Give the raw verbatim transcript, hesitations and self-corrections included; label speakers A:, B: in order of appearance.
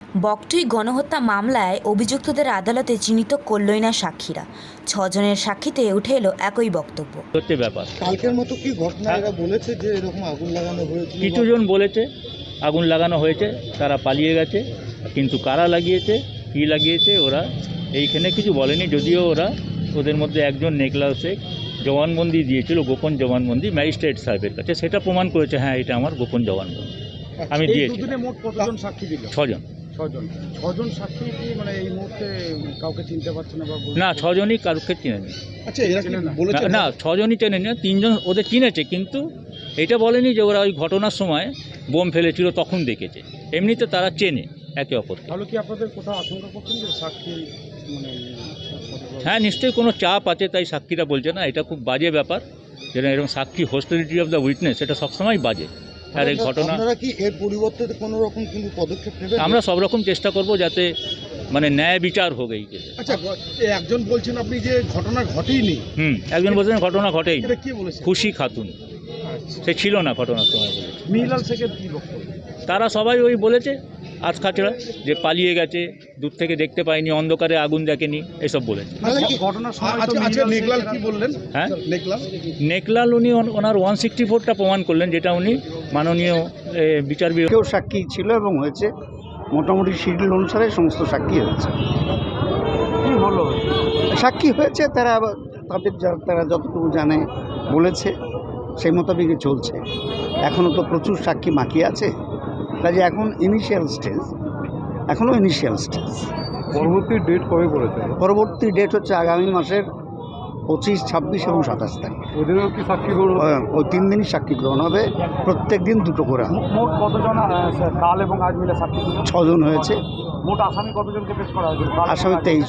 A: বকটুই গণহত্যা মামলায় অভিযুক্তদের আদালতে চিহ্নিত করলই না সাক্ষীরা। ছজনের সাক্ষীতে উঠে এলো একই বক্তব্য।
B: সত্যি ব্যাপার,
C: কালকের মতো কি ঘটনা এরা বলেছে যে এরকম আগুন লাগানো হয়েছে?
B: কিছু জন বলেছে আগুন লাগানো হয়েছে, তারা পালিয়ে গেছে, কিন্তু কারা লাগিয়েছে কী লাগিয়েছে ওরা এইখানে কিছু বলেনি। যদিও ওরা ওদের মধ্যে একজন নেকলাল শেখ জবানবন্দি দিয়েছিল, গোপন জবানবন্দি ম্যাজিস্ট্রেট সাহেবের কাছে, সেটা প্রমাণ করেছে হ্যাঁ এটা আমার গোপন জবানবন্দি আমি দিয়েছি।
D: মোট কতজন সাক্ষী দিল?
B: ছজন।
D: ছজন ছজন সাক্ষী কি মানে এই মুহূর্তে কাউকে চিনতে পারছে না?
B: না, ছজনই কারোকে চিনেনি।
C: আচ্ছা, এরা কি বলেছে?
B: না, ছজনই চেনেনি, তিনজন ওদের চিনেছে, কিন্তু এটা বলেনি যে ওরা ওই ঘটনার সময় বোম ফেলেছিল তখন দেখেছে। এমনিতে তারা চেনে একে অপরকে।
D: তাহলে কি আপনাদের কোথাও আশঙ্কা করছেন যে সাক্ষী মানে?
B: হ্যাঁ, নিশ্চয়ই কোনো চাপ আছে তাই সাক্ষীরা বলছে না। এটা খুব বাজে ব্যাপার, যেটা এরকম সাক্ষী হোস্টিলিটি অফ দ্য উইটনেস, এটা সবসময় বাজে। আর এই ঘটনা
C: আপনারা কি এর পরিবর্তে কোনো রকম কিন্তু পদক্ষেপ নেবেন?
B: আমরা সব রকম চেষ্টা করব যাতে মানে ন্যায় বিচার হোক এই কেসে।
D: আচ্ছা, একজন বলছেন আপনি যে ঘটনা ঘটেইনি।
B: হুম একজন বলছেন ঘটনা ঘটেই।
D: এটা কি বলেছেন?
B: খুশি খাতুন, সে ছিল না ঘটনার সময় বলেছে।
D: মিহিলাল শেখের কি বক্তব্য?
B: তারা সবাই ওই বলেছে আজ খাচড়া যে পালিয়ে গেছে, দূর থেকে দেখতে পায়নি, অন্ধকারে আগুন দেখেনি, এসব বলেছে।
D: ঘটনার সময় আচ্ছা, নেকলাল কি বললেন?
B: হ্যাঁ,
D: নেকলাল
B: নেকলাল উনি ওন- ওনার ওয়ান সিক্সটি ফোরটা প্রমাণ করলেন, যেটা উনি মাননীয় এ, বিচার বিভাগ
E: কেউ সাক্ষী ছিল এবং হয়েছে মোটামুটি শিডিউল অনুসারে সমস্ত সাক্ষী হয়েছে।
D: কি হলো?
E: সাক্ষী হয়েছে, তারা আবার তাদের যা- তারা যতটুকু জানে বলেছে সেই মোতাবেকই চলছে। এখনও তো প্রচুর সাক্ষী বাকি আছে, কাজে এখন ইনিশিয়াল স্টেজ, এখনও ইনিশিয়াল স্টেজ।
D: পরবর্তী ডেট কবে বলেছে?
E: পরবর্তী ডেট হচ্ছে আগামী মাসের পঁচিশ, ছাব্বিশ এবং সাতাশ তারিখ।
D: ওদেরও কি সাক্ষী গ্রহণ?
E: ওই তিন দিনই সাক্ষী গ্রহণ হবে, প্রত্যেক দিন দুটো করে হবে।
D: মোট কতজন কাল এবং আজ মিলে সাক্ষী?
E: ছজন হয়েছে,
D: মোট আসামি কতজনকে পেশ করা হয়েছিল?
E: আসামি তেইশ